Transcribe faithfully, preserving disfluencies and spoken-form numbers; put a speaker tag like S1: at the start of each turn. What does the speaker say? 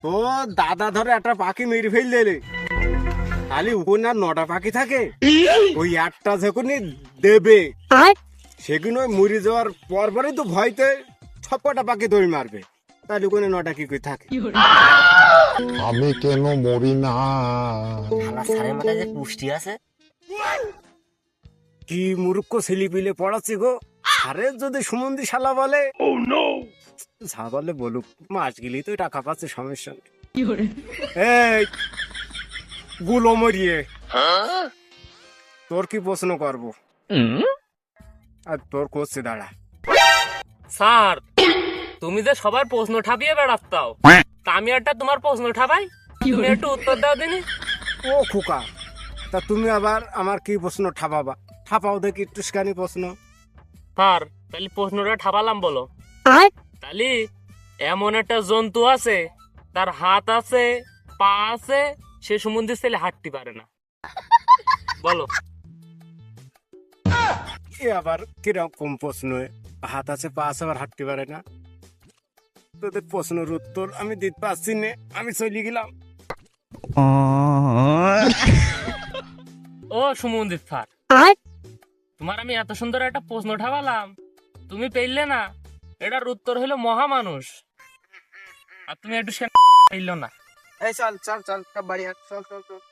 S1: তো দাদা ধরে একটা পাখি মেরে ফেল দিলে, খালি ওখানে আর নটা পাখি থাকে, ওই একটা যখনই দেবে সেগুলো ওই মরে যাওয়ার পর পরই তো ভয়তে সব কটা পাখি দড়ি মারবে, তাহলে ওখানে নটা কি করে থাকে?
S2: আমি কেন মরি না?
S3: শালা স্যারের মাথায় যে পুষ্টি আছে।
S1: কি মূর্খ ছেলে পিলে পড়াচ্ছি গো। আরে যদি সুমন্দি শালা বলে যা বলে বলুক, মাস গেলেই তো টাকা পাচ্ছে, সমস্যা নেই। এই গুলো মরিয়ে তোর কি প্রশ্ন করবো, আর তোর করছে দাঁড়া।
S4: স্যার, তুমি যে সবার প্রশ্ন ঠাপিয়ে বেড়াচ্তাও, তা আমি একটা তোমার প্রশ্ন ঠাপাই, তুমি একটু উত্তর দাও দিনি।
S1: ও খোকা, তা তুমি আবার আমার কি প্রশ্ন ঠাপাবা? ঠাপাও দেখি একটুখানি প্রশ্ন।
S4: স্যার, তাহলে প্রশ্নটা ঠাপালাম, বলো। তাহলে এমন একটা জন্তু আছে, তার হাত আছে, পা আছে, সে সম্বন্ধে ছেলে হাঁটতে পারে না, বলো।
S1: এ আবার কিরকম প্রশ্ন? হাত আছে, পা আছে, আবার হাঁটতে পারে না? তোদের প্রশ্নের উত্তর আমি দিতে পারছি না, আমি চলে গেলাম।
S4: ও সুমন্দির স্যার, তোমার আমি এত সুন্দর একটা প্রশ্ন ঠাপালাম, তুমি পেলে না। এটার উত্তর হলো মহামানুষ, আর তুমি একটু সে পেল না।
S1: এই চল চল চল, বাড়ি হাট, চল চল চল।